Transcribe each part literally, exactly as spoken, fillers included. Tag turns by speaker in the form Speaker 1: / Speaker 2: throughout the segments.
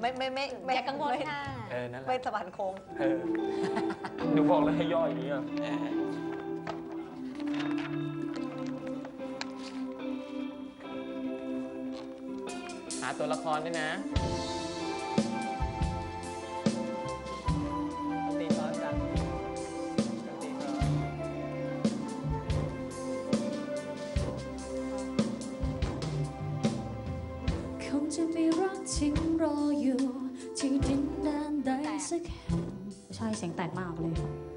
Speaker 1: ไม่ไม่ไม่ไม่
Speaker 2: อย่ากังวลค่ะ
Speaker 3: เออนั่นแหละ
Speaker 1: ไม่สะพานโค้ง
Speaker 3: เออหนูบอกแล้วให้ย่ออย่างนี้อ่ะหาตัวละครด้วยนะตีซ้อนกันตีซ้อน
Speaker 4: คงจะมีรักจริงรออยู่ที่ดินแดนใดสักแห่งใช่เสียงแตกมากเลย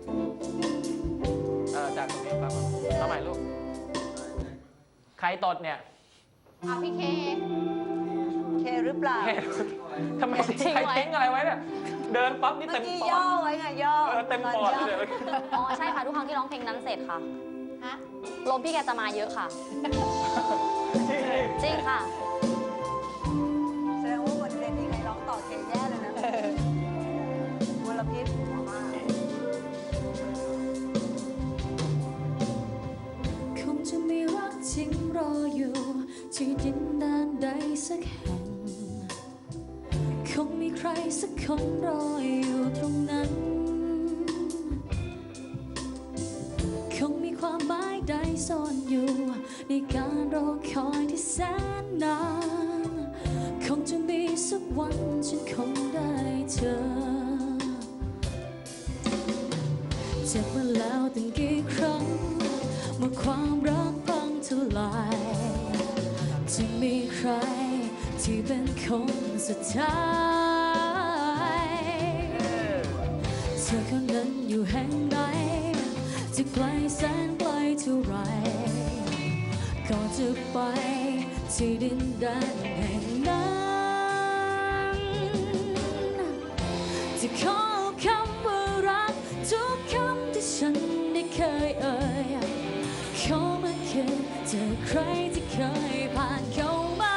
Speaker 3: เออจากตรงนี้ครับเอาใหม่ลูกใครตดเนี่ย
Speaker 2: เอาพี่เค
Speaker 1: เคหรือเปล่า
Speaker 3: ทำไมทิ้งใครทิ้งอะไรไว้เนี่ยเดินปั๊บนี่
Speaker 1: เมื่
Speaker 3: เต็
Speaker 1: อ
Speaker 3: ม
Speaker 1: กี้
Speaker 3: ปอด
Speaker 1: ย่อไว้ไงย่อ
Speaker 3: เออเต็มปอดเลย
Speaker 2: อ๋อใช่ค่ะทุกครั้งที่ร้องเพลงนั้นเสร็จค่ะฮะลมพี่แกจะมาเยอะค่ะจริงค่ะ
Speaker 1: แสดงว่าวันเรียนนี้ใครร้องต่อเคแย่เลยนะมลพิษ
Speaker 4: คงจะมีรักจริงรออยู่ที่ดินแดนใดสักแห่งคงมีใครสักคนรออยู่ตรงนั้นคงมีความหมายใดซ่อนอยู่ในการรอคอยที่แสนนานคงจะมีสักวันฉันคงได้เจอเจ็บมาแล้วตั้งกี่ครั้งเมื่อความรักพังทลายจะมีใครที่เป็นคนสุดท้ายเธอคนนั้นอยู่แห่งไหนจะไกลแสนไกลเท่าไรก็จะไปที่ดินแดนแห่งนั้นจะขอคำว่ารักทุกคำที่ฉันได้เคยเอ่ยขอมาคืนเจอใครที่เคยผ่านเข้ามา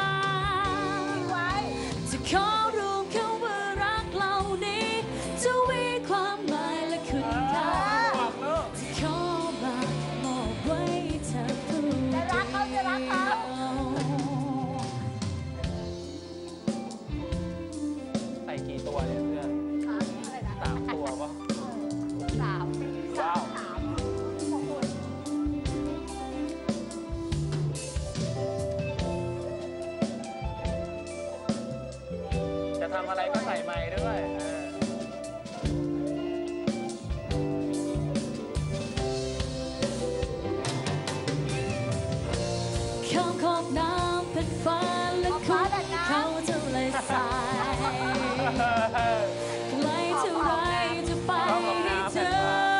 Speaker 4: จะขอรู้คำว่ารักเหล่านี้จะมีความหมายและคุณค่าจะขอมามอบไว้เธอผู้เดียวจะรักเขาจะรักเขา
Speaker 3: ใส่กี่ตัวเนี่ยเพื่อนสามตัวป่ะ
Speaker 2: สาม
Speaker 3: ว้าวจะทำอะไรก็ใส่ไม้ด้วย
Speaker 4: ข้ามขอบน้ำเป็นฟ้าและคุณเขาจะเลยสายไกลเท่าไรจะไปให้เจอ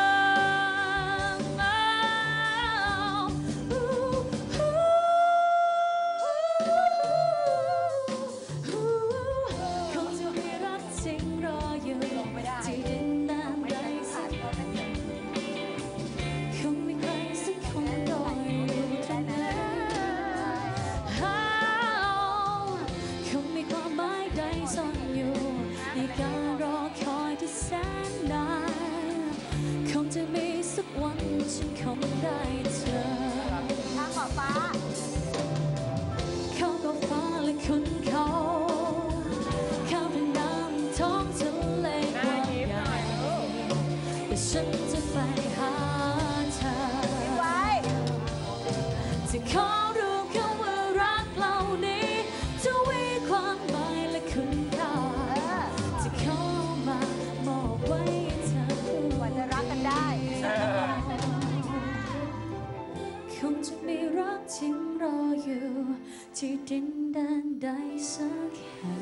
Speaker 4: คงจะมีรักจริงรออยู่ที่ดินแดนใดสักแห่งคงมีใครสักคนรออยู่ตรงนั้นคงมีความหมายใดซ่อนอยู่ในการรอคอยที่แสนนานคงจะมีสักวันฉันคงได้เจอ
Speaker 1: ทางขอบฟ้า
Speaker 4: เขาก็ฟ้าและคุณเขาเขาเป็นน้ำท้องทะเลกว้างใหญ่แต่ฉันจะไปหาเธอจะขอรู้คำว่ารักเหล่านี้จะมีความหมายและคุณค่าจะขอมามอบไว้เธอผู้
Speaker 1: กว่าจะรักกันได้
Speaker 4: คงจะมีรักจริงรออยู่ที่ดินแดนใดสักแห่ง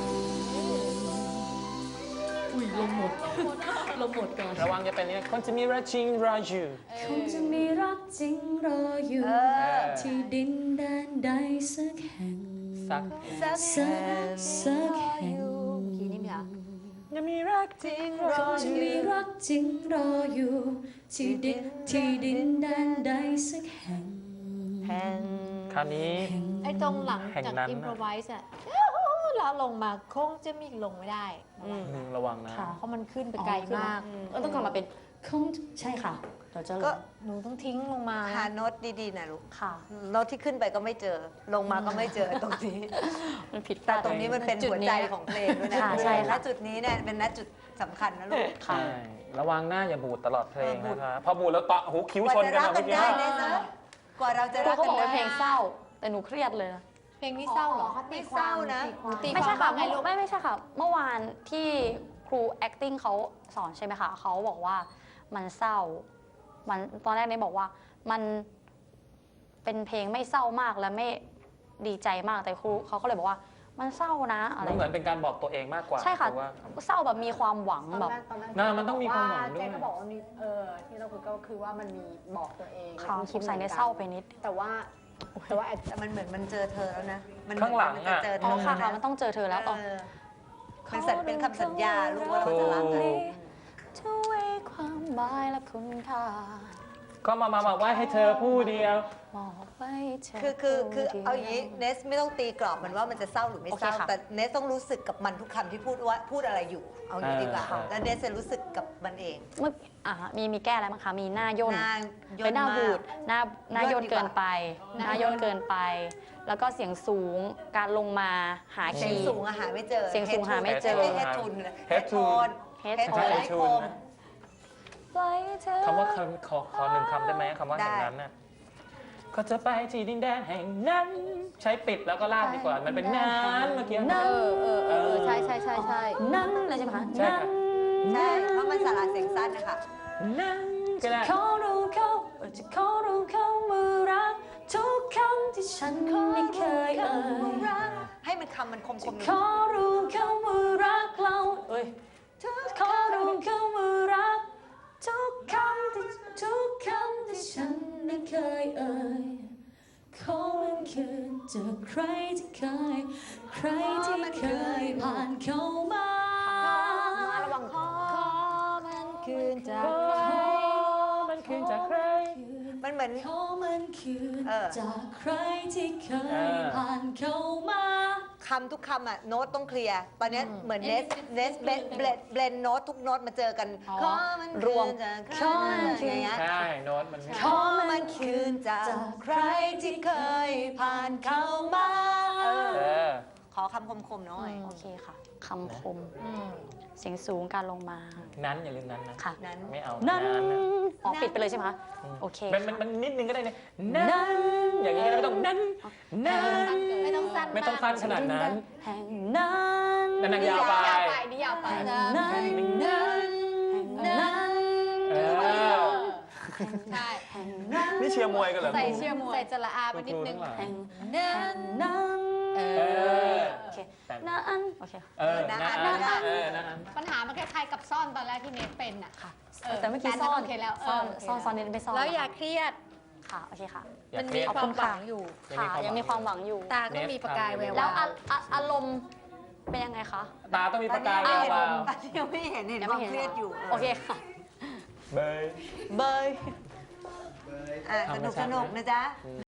Speaker 4: อุ้ยลมหมดลมหมดก่อน
Speaker 3: ระวังจะเป็นเนี่ยคนจะมีรักจริงรออยู่
Speaker 4: คงจะมีรักจริงรออยู่ที่ดินแดนใดสักแห่ง
Speaker 3: สัก
Speaker 1: สัก
Speaker 4: สักสักแห่ง
Speaker 1: ทีนี้มีอ่ะ
Speaker 3: จะมีรักจริงร
Speaker 4: ค
Speaker 3: อง
Speaker 4: จะ
Speaker 3: อยู่
Speaker 4: มีรักจริงรออยู่ที่ดินที่ดินแดนใดสักแห่ง
Speaker 1: แพง
Speaker 3: คราวนี้
Speaker 2: ไอ้ตรงหลัง
Speaker 3: แห่ง
Speaker 2: จาก
Speaker 3: นั้น
Speaker 2: อิมพรไวส์อะแล้วลงมาคงจะมีลงไม่ได้
Speaker 3: หนึ่งระวังนะ
Speaker 2: เพราะมันขึ้นไปไกลมาก
Speaker 5: ก็ต้องกลับมาเป็น
Speaker 4: คงใช่ค่ะเราจะ
Speaker 1: ก็
Speaker 5: หนูต้องทิ้งลงมา
Speaker 1: หาโน้ตดีๆนะลูก
Speaker 2: ค่ะ
Speaker 1: โน้ตที่ขึ้นไปก็ไม่เจอ ลงมาก็ไม่เจอตรงนี้
Speaker 2: มันผิดพ
Speaker 1: แต่
Speaker 2: ลาด
Speaker 1: ตรงนี้มันเป็นหัวใจของเพลงด้วยนะ
Speaker 2: ค่ะใช่ค่ะ
Speaker 1: ณจุดนี้เนี่ยเป็นณจุดสำคัญนะลูก
Speaker 2: ค่ะ
Speaker 3: ใช่ระวังหน้าอย่าบูดตลอดเพลง
Speaker 1: เออบูด
Speaker 3: นะครับพอบูดแล้วตะหูคิ้ว
Speaker 1: กว่า
Speaker 3: ชน
Speaker 1: จะ
Speaker 3: กัน
Speaker 1: รัก
Speaker 3: อะ
Speaker 1: กั
Speaker 3: เมื่อน กี้
Speaker 1: ได้เนี่ยนะกว่าเราจะ
Speaker 2: ครู
Speaker 1: รัก
Speaker 2: เขา
Speaker 1: กัน
Speaker 2: บอกว่า
Speaker 1: ได้
Speaker 2: เพลงเศร้า แต่หนูเครียดเลยนะ
Speaker 5: เพลงนี้เศร้าเหรอ
Speaker 1: เขาตีความ
Speaker 5: นะ
Speaker 1: ตี
Speaker 5: ตี
Speaker 2: ไม่
Speaker 5: ควา
Speaker 2: ใช่
Speaker 5: ม
Speaker 2: ค่ะ
Speaker 5: ว่าไงลูก
Speaker 2: ไม่ไม่ใช่ค่ะ เมื่อวานที่ครู acting เขาสอนใช่ไหมคะเขาบอกว่ามันเศร้า มันตอนแรกเนี่ยบอกว่ามันเป็นเพลงไม่เศร้ามากและไม่ดีใจมากแต่ครูเขาก็เลยบอกว่ามันเศร้านะอะไร
Speaker 3: มันเหมือนเป็นการบอกตัวเองมากกว่า
Speaker 2: ใช่ค่ะ
Speaker 3: เพราว่า
Speaker 2: เศร้าแบบมีความหวัง
Speaker 6: ตอน
Speaker 2: แบบ
Speaker 6: แรกตอนแรก
Speaker 3: น่ามันต้องมีความหวังด้วย
Speaker 6: แกก็บอกว่ามีเออที่เราคุยก็คือว่ามันมีบอกตัวเอง
Speaker 2: ค่ะ
Speaker 6: มัน
Speaker 2: ส
Speaker 6: คิด
Speaker 2: ง
Speaker 6: เห
Speaker 2: สั
Speaker 6: มื
Speaker 2: ย
Speaker 6: อน
Speaker 2: ใน
Speaker 6: กัน
Speaker 2: เศร้าไปนิด
Speaker 6: แต่ว่าแต่ว่า
Speaker 1: แต่มันเหมือนมันเจอเธอแล้วนะมั
Speaker 3: ข้างหลัง
Speaker 1: มัน
Speaker 3: อะ
Speaker 1: จะเจอเธ
Speaker 2: อ๋อ
Speaker 1: อ
Speaker 2: ค่ะ
Speaker 1: แล้ว
Speaker 2: ค่ะ
Speaker 1: นะ
Speaker 2: มันต้องเจอเธอแล้วอ๋อ
Speaker 1: เออมันสัญเป็นคำสัญญาลูกว่าเราจะรักกัน
Speaker 2: ช่วยความหมายและคุณค่า
Speaker 3: ก็มามามาไหว้ให้เธอผู้เดียว
Speaker 2: มอบไว้เธอ
Speaker 1: คือคือคือ
Speaker 2: ผู้ดียว
Speaker 1: เอาอย่างนี้เนสไม่ต้องตีกรอบมันว่ามันจะเศร้าหรือไม่เศร้า
Speaker 2: โอเคค่ะ
Speaker 1: แต่เนสต้องรู้สึกกับมันทุกคำที่พูดว่าพูดอะไรอยู่ เอาอย่างนี้ดีกว่า
Speaker 3: อ่า
Speaker 1: แล้วเนสจะรู้สึกกับมันเอง
Speaker 2: เมื่ออ่ามีมีแก้อะไรบ้างคะ มีหน้าย่น
Speaker 1: หน้าย่
Speaker 2: เป็น
Speaker 1: น
Speaker 2: หน้า
Speaker 1: มา
Speaker 2: บูด
Speaker 1: ก
Speaker 2: หน้าหน้า
Speaker 1: ย่
Speaker 2: ย่
Speaker 1: น
Speaker 2: น
Speaker 1: ดีกว่า
Speaker 2: เกินไป หน้าย่นเกินไป แล้วก็เสียงสูง การลงมาหา
Speaker 1: เสีย
Speaker 2: คี
Speaker 1: ง
Speaker 2: ย์
Speaker 1: สูงอะหาไม่เจอ
Speaker 2: เสียงสูงหาไม่เจอ
Speaker 1: เฮดทูนเฮ
Speaker 3: Head
Speaker 1: ดโท
Speaker 3: tune
Speaker 1: น
Speaker 2: Head
Speaker 1: เฮดโทน
Speaker 3: Head
Speaker 1: ไอโค
Speaker 3: tune
Speaker 1: ม
Speaker 3: นะ
Speaker 2: ไว้เธอ
Speaker 3: คำว่าคำขอขอหนึ่งคำได้ไหมคำว่า
Speaker 1: ได้
Speaker 3: แห่งนั้นน่ะก็จะไปที่ดินแดนแห่งนั้น ใช้ปิดแล้วก็ลากดีกว่า มันเป็นนั้นเมื่อกี้
Speaker 2: นั้น
Speaker 5: เออเออเออใช่ใช่ใช่ใช่
Speaker 2: นั้นเลยใช่ไหมคะ
Speaker 3: ใช่ค่ะ
Speaker 1: ใช่เพราะมันสาระเสียงสั้นนะคะ
Speaker 3: นั้นก็ได้
Speaker 2: ขอรู้เขาจะขอรู้เขาเมื่อรักทุกคำที่ฉันไม่เคยเอ่ย
Speaker 1: ให้มันคำมันคมคม
Speaker 2: ขอรู้เขาเมื่อรักเราเอ้ยขอรู้เขาเมื่อรักทุกคำที่ทุกคำที่ฉันไม่เคยเอ่ยขอมันคืนจากใครที่เคย ใครที่เคยผ่านเข้ามา
Speaker 5: ระวังคอมันคืนจาก
Speaker 3: ขอมันคืนจากใคร
Speaker 1: มันเหมือน
Speaker 4: ขอมันคืน
Speaker 1: เออ
Speaker 4: จากใครที่เค
Speaker 3: เอย อ
Speaker 4: ผ่านเข้ามา
Speaker 1: คำทุกคำอ่ะโน้ตต้องเคลียร์ตอนเนี้ยเหมือนเนสเนสเบลเบลเบลนโน้ตทุกโน้ตมาเจอกัน
Speaker 2: อ๋อ
Speaker 1: ขอมัน
Speaker 2: รวม
Speaker 1: คืนจากใค
Speaker 2: ขอมันคืน
Speaker 1: อย่างเงี้ย
Speaker 3: ใช่โน้ตมันไม่
Speaker 1: ขอมันคืนจากใครที่เคยผ่านเข้ามาเออ
Speaker 3: เออ
Speaker 1: ขอคำคมๆหน่อย
Speaker 2: โอเคค่ะคำคม เสียงสูงการลงมา
Speaker 3: นั้นอย่าลืมนั้นนะ
Speaker 2: ค่ะ
Speaker 1: นั้น
Speaker 3: ไม่เอา
Speaker 2: นั้น
Speaker 3: นะ
Speaker 2: อ๋อปิดไปเลยใช่ไหมคะ โอเค
Speaker 3: มันมันมันนิดนึงก็ได้เนี่ยนั้นอย่างนี้ก็ได้ไม่ต้องนั้นนั้น
Speaker 5: ไม่ต้องสั้น
Speaker 3: ไม่ต้องสั้นขนาดนั้น
Speaker 2: แห่งนั้น
Speaker 3: นั่นนางยาวไป
Speaker 5: ยาวไปนี่ยาวไป
Speaker 2: แห่ง
Speaker 5: นะ
Speaker 2: นั้น
Speaker 3: นั้น
Speaker 2: แห่งนั้น
Speaker 3: เออ
Speaker 5: ใช่
Speaker 2: แห่งนั้น
Speaker 3: นี่เชียร์มวยกันเหรอ
Speaker 5: ใส่เชียร์มวยใส่จระอาไปนิดนึง
Speaker 2: แห่ง
Speaker 5: เน้น
Speaker 2: นั้น
Speaker 5: เอ
Speaker 3: เอ
Speaker 5: อ
Speaker 3: อ
Speaker 2: โอเคนั้นโอเค
Speaker 3: เออนะอันเออนะอัน
Speaker 5: ปัญหามันคล้ายๆกับซ่อนตอนแรกที่เนทเป็นอ่ะ
Speaker 2: ค่ะ
Speaker 5: เออ
Speaker 2: แต่เมื่อกี้
Speaker 5: แต่
Speaker 2: ซ่อน
Speaker 5: โอเคแล้วเออ
Speaker 2: ซ่อน
Speaker 5: โอเค
Speaker 2: ซ่อน
Speaker 5: แล้ว
Speaker 2: ซ่อนนิดไม่ซ่อน
Speaker 5: แล้วอย่าเครียด
Speaker 2: ค่ะโอเคค่ะ
Speaker 3: อย่า
Speaker 5: มัน
Speaker 3: เครี
Speaker 5: มี
Speaker 3: ยด
Speaker 5: ความหวังอยู่
Speaker 2: ค่ะยังมีความหวังอยู่
Speaker 5: ตาก็มีประกายแวว
Speaker 2: แล้ว
Speaker 5: วา
Speaker 2: อาว อะอารมณ์เป็นยังไงคะ
Speaker 3: ตาต้องมีประกาย
Speaker 1: ตอน
Speaker 3: แว
Speaker 1: นี้
Speaker 3: ววาว
Speaker 1: ยังไม่เห็นเห็น
Speaker 2: ยัง
Speaker 1: ค
Speaker 2: ไม่
Speaker 1: วาม
Speaker 2: เห็น
Speaker 1: เครียดอยู่
Speaker 2: โอเคค่ะ
Speaker 3: เบย
Speaker 1: เบยอ่ะสนุกสนุกนะจ๊ะ